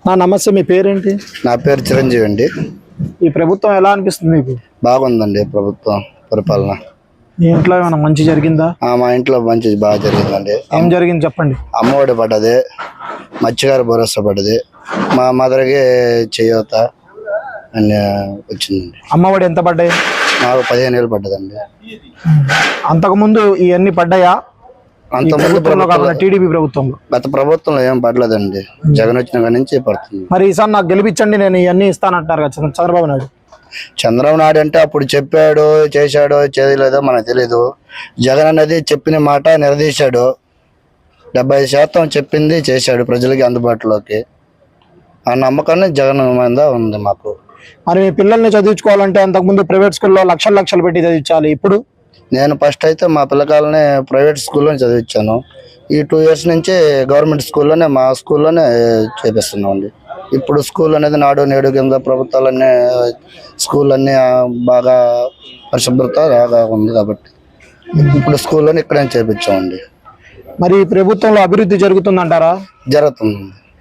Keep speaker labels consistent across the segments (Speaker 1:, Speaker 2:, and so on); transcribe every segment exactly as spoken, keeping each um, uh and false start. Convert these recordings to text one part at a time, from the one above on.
Speaker 1: నా నమస్తే, మీ పేరేంటి?
Speaker 2: నా పేరు చిరంజీవి అండి.
Speaker 1: ఈ ప్రభుత్వం ఎలా అనిపిస్తుంది మీకు?
Speaker 2: బాగుందండి ప్రభుత్వం పరిపాలన.
Speaker 1: మీ ఇంట్లో ఏమైనా మంచి జరిగిందా?
Speaker 2: మా ఇంట్లో మంచి బాగా జరిగిందండి.
Speaker 1: ఏం జరిగింది చెప్పండి.
Speaker 2: అమ్మఒడి పడ్డది, మత్స్యకార భరోసా పడ్డది, మా మదర్కి చేయూత అన్ని వచ్చిందండి.
Speaker 1: అమ్మఒడి ఎంత పడ్డాయి?
Speaker 2: నాకు పదిహేను వేలు పడ్డదండి.
Speaker 1: అంతకుముందు ఇవన్నీ పడ్డాయా?
Speaker 2: అంతకుముందు
Speaker 1: టీడీపీ ప్రభుత్వంలో
Speaker 2: గత ప్రభుత్వంలో ఏం పడలేదండి. జగన్ వచ్చిన కాడి నుంచి పడుతుంది.
Speaker 1: మరి ఈసారి నాకు గెలిపించండి, నేను ఇవన్నీ ఇస్తానంటారు కదా చంద్రబాబు నాయుడు.
Speaker 2: చంద్రబాబు నాయుడు అంటే అప్పుడు చెప్పాడు, చేశాడో చేయలేదో మనకు తెలీదు. జగన్ అనేది చెప్పిన మాట నిలదీశాడు. డెబ్బై శాతం చెప్పింది చేశాడు ప్రజలకి అందుబాటులోకి. ఆ నమ్మకాన్ని జగన్ మీద ఉంది మాకు.
Speaker 1: మరి మీ పిల్లల్ని చదివించుకోవాలంటే అంతకుముందు ప్రైవేట్ స్కూల్లో లక్షలు లక్షలు పెట్టి చదివించాలి. ఇప్పుడు
Speaker 2: నేను ఫస్ట్ అయితే మా పిల్లకాయలని ప్రైవేట్ స్కూల్లో చదివించాను. ఈ టూ ఇయర్స్ నుంచి గవర్నమెంట్ స్కూల్లోనే మా స్కూల్లోనే చేపిస్తున్నాం అండి. ఇప్పుడు స్కూల్ అనేది నాడు నేడు కింద ప్రభుత్వాలన్నీ స్కూల్ అన్నీ బాగా పరిశుభ్రత బాగా ఉంది కాబట్టి ఇప్పుడు స్కూల్లోనే ఇక్కడే చేపించామండి.
Speaker 1: మరి ఈ ప్రభుత్వంలో అభివృద్ధి జరుగుతుందంటారా?
Speaker 2: జరుగుతుంది.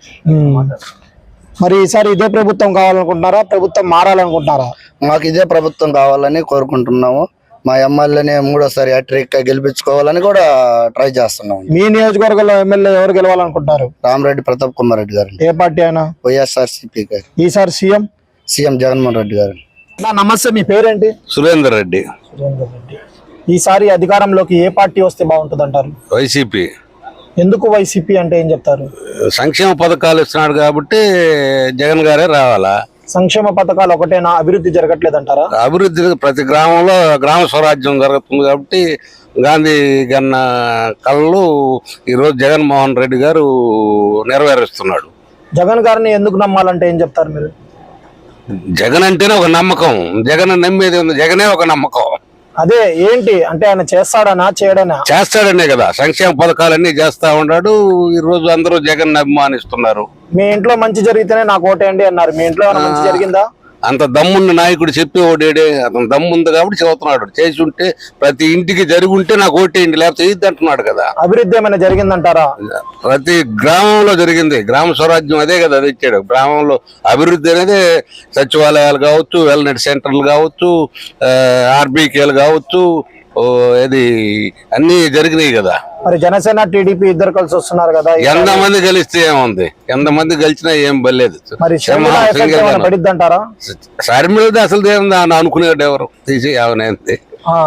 Speaker 1: మరి ఈసారి ఇదే ప్రభుత్వం కావాలనుకుంటున్నారా, ప్రభుత్వం మారాలనుకుంటున్నారా?
Speaker 2: మాకు ఇదే ప్రభుత్వం కావాలని కోరుకుంటున్నాము. మా ఎమ్మెల్యేని మూడోసారి హ్యాట్రిక్ గెలిపించుకోవాలని కూడా ట్రై చేస్తున్నాం.
Speaker 1: మీ నియోజకవర్గంలో ఎమ్మెల్యే ఎవరు గెలవాలనుకుంటారు?
Speaker 2: రామరెడ్డి ప్రతాప్ కుమార్ రెడ్డి గారు.
Speaker 1: ఏ పార్టీ అయినా?
Speaker 2: వైఎస్ఆర్సీపీ గారు.
Speaker 1: ఈసారి సీఎం
Speaker 2: సీఎం జగన్మోహన్ రెడ్డి గారు.
Speaker 1: నమస్తే, మీ పేరేంటి?
Speaker 3: సురేందర్ రెడ్డి.
Speaker 1: సురేందర్ రెడ్డి. ఈసారి అధికారంలోకి ఏ పార్టీ వస్తే బాగుంటుంది అంటారు?
Speaker 3: వైసీపీ.
Speaker 1: ఎందుకు వైసీపీ అంటే ఏం చెప్తారు?
Speaker 3: సంక్షేమ పథకాలు ఇస్తున్నాడు కాబట్టి జగన్ గారే రావాలా.
Speaker 1: సంక్షేమ పథకాలు ఒకటేనా, అభివృద్ధి జరగట్లేదంటారా?
Speaker 3: అభివృద్ధి ప్రతి గ్రామంలో గ్రామ స్వరాజ్యం జరుగుతుంది కాబట్టి గాంధీ గన్న కళ్ళు ఈరోజు జగన్మోహన్ రెడ్డి గారు నెరవేరుస్తున్నాడు.
Speaker 1: జగన్ గారిని ఎందుకు నమ్మాలంటే ఏం చెప్తారు మీరు?
Speaker 3: జగన్ అంటేనే ఒక నమ్మకం. జగన్ నమ్మేది ఉంది, జగనే ఒక నమ్మకం.
Speaker 1: అదే ఏంటి అంటే ఆయన చేస్తాడనా చేయడనా?
Speaker 3: చేస్తాడనే కదా, సంక్షేమ పథకాలన్నీ చేస్తా ఉన్నాడు. ఈ రోజు అందరూ జగన్ అభిమానిస్తున్నారు.
Speaker 1: మీ ఇంట్లో మంచి జరిగితేనే నాకు ఓటేయండి అన్నారు. మీ ఇంట్లో ఏమైనా మంచి జరిగిందా?
Speaker 3: అంత దమ్మున్న నాయకుడు చెప్పి ఓటేడే, అతను దమ్ముంది కాబట్టి చెబుతున్నాడు. చేసి ఉంటే ప్రతి ఇంటికి జరిగి ఉంటే నాకు ఓటేయండి, లేకపోతే ఇది అంటున్నాడు కదా.
Speaker 1: అభివృద్ధి ఏమైనా జరిగిందంటారా?
Speaker 3: ప్రతి గ్రామంలో జరిగింది. గ్రామ స్వరాజ్యం అదే కదా అది ఇచ్చాడు. గ్రామంలో అభివృద్ధి అనేది సచివాలయాలు కావచ్చు, వెల్నెస్ సెంటర్లు కావచ్చు, ఆర్బీకేలు కావచ్చు, ఇది అన్ని జరిగినాయి కదా.
Speaker 1: మరి జనసేన టీడీపీ ఇద్దరు కలిసి వస్తున్నారు కదా,
Speaker 3: ఎంత మంది కలిస్తే ఏముంది? ఎంత మంది కలిసినా ఏం బలేదు.
Speaker 1: పడిద్దంటారా?
Speaker 3: షర్మిలది అసలు ఏముంది అనుకునేది ఎవరు తీసి ఏమైనా.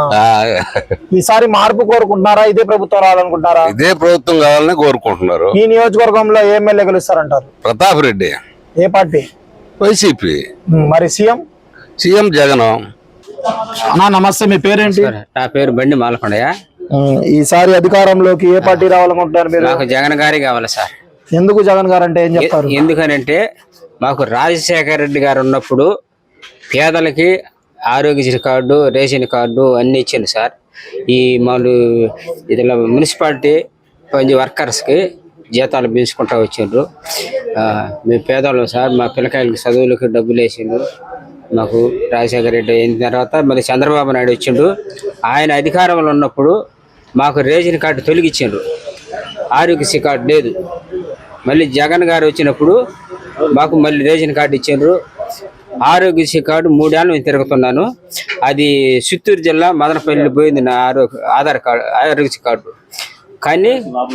Speaker 1: ఈసారి మార్పు కోరుకుంటున్నారా, ఇదే ప్రభుత్వం రావాలనుకుంటున్నారా?
Speaker 3: ఇదే ప్రభుత్వం కావాలని కోరుకుంటున్నారు.
Speaker 1: ఈ నియోజకవర్గంలో ఏ ఎమ్మెల్యే గెలుస్తారంటారు?
Speaker 3: ప్రతాప్ రెడ్డి.
Speaker 1: ఏ పార్టీ?
Speaker 3: వైసీపీ.
Speaker 1: మరి సీఎం?
Speaker 3: సీఎం జగన్.
Speaker 1: అన్నా నమస్తే, మీ పేరేంటి?
Speaker 4: నా పేరు బండి మాలకొండయ్య.
Speaker 1: ఈసారి అధికారంలోకి ఏ పార్టీ రావాలనుకుంటున్నారు మీరు?
Speaker 4: నాకు జగన్ గారి కావాలి సార్.
Speaker 1: ఎందుకు జగన్ గారు అంటే ఏం చెప్తారు?
Speaker 4: ఎందుకనంటే మాకు రాజశేఖర రెడ్డి గారు ఉన్నప్పుడు పేదలకి ఆరోగ్యశ్రీ కార్డు, రేషన్ కార్డు అన్ని ఇచ్చింది సార్. ఈ మామూలు ఇదిలో మున్సిపాలిటీ కొంచెం వర్కర్స్కి జీతాలు పెంచుకుంటూ వచ్చిండ్రు. మేము పేదవాళ్ళం సార్. మా పిల్లకాయలకి చదువులకి డబ్బులు వేసిండ్రు. మాకు రాజశేఖర రెడ్డి అయిన తర్వాత మళ్ళీ చంద్రబాబు నాయుడు వచ్చిండు. ఆయన అధికారంలో ఉన్నప్పుడు మాకు రేషన్ కార్డు తొలగించిండ్రు, ఆరోగ్యశ్రీ కార్డు లేదు. మళ్ళీ జగన్ గారు వచ్చినప్పుడు మాకు మళ్ళీ రేషన్ కార్డు ఇచ్చిండ్రు. ఆరోగ్యశ్రీ కార్డు మూడేళ్ళు నేను తిరుగుతున్నాను. అది చిత్తూరు జిల్లా మదనపల్లి పోయింది నా ఆరోగ్య ఆధార్ కార్డు, ఆరోగ్యశ్రీ కార్డు. కానీ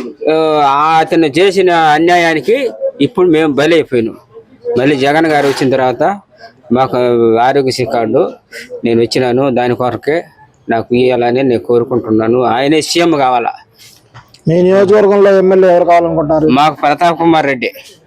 Speaker 4: అతను చేసిన అన్యాయానికి ఇప్పుడు మేము బలైపోయినాం. మళ్ళీ జగన్ గారు వచ్చిన తర్వాత మాకు ఆరోగ్యశ్రీ కార్డు నేను వచ్చినాను. దాని కొరకే నాకు ఇవ్వాలని నేను కోరుకుంటున్నాను. ఆయనే సీఎం కావాలా.
Speaker 1: మీ నియోజకవర్గంలో ఎమ్మెల్యే ఎవరు కావాలనుకుంటున్నారు?
Speaker 4: మాకు ప్రతాప్ కుమార్ రెడ్డి.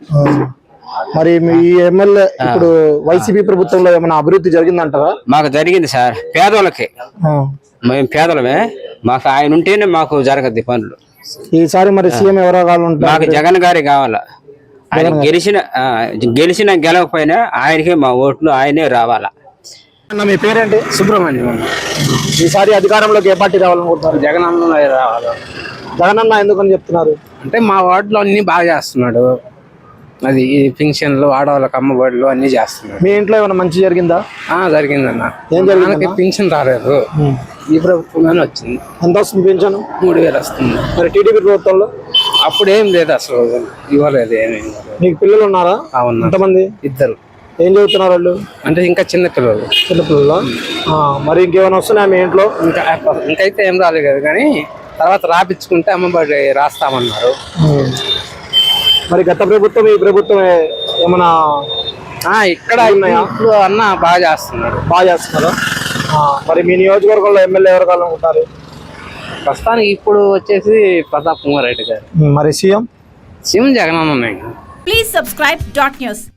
Speaker 1: మరి మీ ఎమ్మెల్యే ఇప్పుడు వైసీపీ ప్రభుత్వంలో ఏమైనా అభివృద్ధి జరిగిందంటారా?
Speaker 4: మాకు జరిగింది సార్. పేదోళ్ళకి మేము పేదలమే. మాకు ఆయన ఉంటేనే మాకు జరగద్ది పనులు.
Speaker 1: ఈసారి మరి సీఎం ఎవరో కావాలంటారు?
Speaker 4: మాకు జగన్ గారి కావాలా. ఆయన గెలిచిన గెలిచిన గెలవకపోయినా ఆయనకే మా ఓట్లు, ఆయనే రావాలా.
Speaker 1: మీ పేరేంటి?
Speaker 4: సుబ్రహ్మణ్యం.
Speaker 1: ఈసారి అధికారంలోకి ఏ పార్టీ రావాలనుకుంటున్నారు?
Speaker 4: జగన్ అన్న రావాలి.
Speaker 1: జగన్ అన్న ఎందుకని చెప్తున్నారు
Speaker 4: అంటే మా వార్డులో అన్ని బాగా చేస్తున్నాడు. అది ఈ పింఛన్లు, ఆడవాళ్ళకి అమ్మఒడిలు అన్ని చేస్తున్నాడు.
Speaker 1: మీ ఇంట్లో ఏమైనా మంచి జరిగిందా?
Speaker 4: జరిగిందన్న.
Speaker 1: ఏం జరిగింది?
Speaker 4: పింఛన్ రాలేదు, ఈ ప్రభుత్వంలోనే వచ్చింది.
Speaker 1: ఎంత వస్తుంది పింఛను?
Speaker 4: మూడు వేలు వస్తుంది.
Speaker 1: మరి టీడీపీ ప్రభుత్వంలో
Speaker 5: అప్పుడు ఏం లేదు అసలు ఇవ్వలేదు ఏమి
Speaker 1: మీకు పిల్లలు ఉన్నారా?
Speaker 5: అవును
Speaker 1: ఎంతమంది?
Speaker 5: ఇద్దరు.
Speaker 1: ఏం చదువుతున్నారు వాళ్ళు?
Speaker 5: అంటే ఇంకా చిన్న పిల్లలు.
Speaker 1: చిన్నపిల్లలు. మరి ఇంకేమైనా వస్తున్నాయా మీ ఇంట్లో?
Speaker 5: ఇంకా ఇంకైతే ఏం రాలేదు కదా, కానీ తర్వాత రాపించుకుంటే అమ్మబడి రాస్తామన్నారు.
Speaker 1: మరి గత ప్రభుత్వం ఈ ప్రభుత్వం ఏమైనా
Speaker 5: ఇక్కడ ఇప్పుడు అన్న బాగా చేస్తున్నారు.
Speaker 1: బాగా చేస్తున్నారా? మరి మీ నియోజకవర్గంలో ఎమ్మెల్యే ఎవరు కావాలనుకుంటారు?
Speaker 5: ప్రస్తుతానికి ఇప్పుడు వచ్చేసి ప్రతాప్ కుమార్ రెడ్డి గారు.
Speaker 1: మరి సీఎం?
Speaker 5: సీఎం జగన్ అన్న.
Speaker 6: Please subscribe dot news.